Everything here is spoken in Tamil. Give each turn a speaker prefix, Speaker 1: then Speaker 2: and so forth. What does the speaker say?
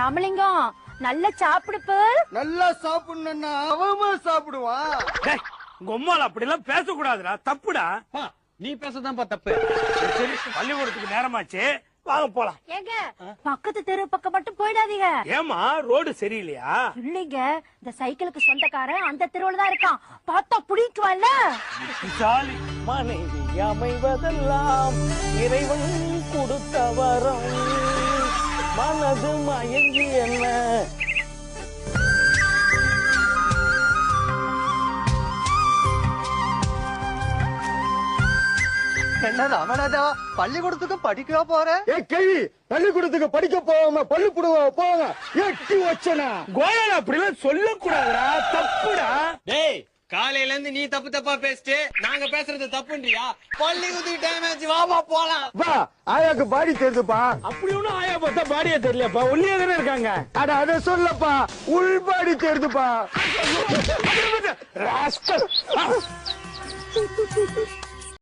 Speaker 1: ராமலிங்கம் நல்லா சாப்பிடுப்பு. நல்லா
Speaker 2: சாப்பிடணும்னா அவமா சாப்பிடுவான்.
Speaker 3: உம்மால அப்படி எல்லாம் பேசக்கூடாதுடா, தப்புடா.
Speaker 2: நீ பேசதான்ப்பா தப்பு.
Speaker 3: சரி, பள்ளிக்கூடத்துக்கு நேரமாச்சு, வாங்க போலாம்.
Speaker 1: ஏங்க பக்கத்து தெரு பக்கம் மட்டும் போயிடாதீங்க.
Speaker 3: ஏமா ரோடு சரியில்லையா?
Speaker 1: இல்லைங்க, இந்த சைக்கிளுக்கு சொந்தக்காரன் அந்த தெருவுல தான் இருக்கான். பார்த்தா புடிக்குவான்ல.
Speaker 3: மனைவி அமைவதெல்லாம் இறைவன் கொடுத்த வரம், மனது மயங்கி என்ன.
Speaker 2: என்ன ராமநாதா, பள்ளிக்கூடத்துக்கு படிக்க போற? ஏ கேள்வி, பள்ளிக்கூடத்துக்கு படிக்க போவாம பள்ளி புடுவா போவாங்க. எட்டி வச்சனா
Speaker 3: கோயல் அப்படிலாம் சொல்லக்கூடாதுடா, தப்புடா.
Speaker 2: டேய், காலையில இருந்து நீ தப்பு தப்பா பேசிட்டு நாங்க பேசுறது தப்புன்றியா? பள்ளிக்கூடத்துக்கு டைம் ஆச்சு, வாமா போலாம். வா, ஆயாக்கு பாடி தெரியுதுப்பா.
Speaker 3: அப்படி ஒண்ணும் ஆயா பார்த்தா பாடியே தெரியலப்பா, ஒல்லியா தானே இருக்காங்க.
Speaker 2: அட அத சொல்லப்பா, உள் பாடி தெரியுதுப்பா.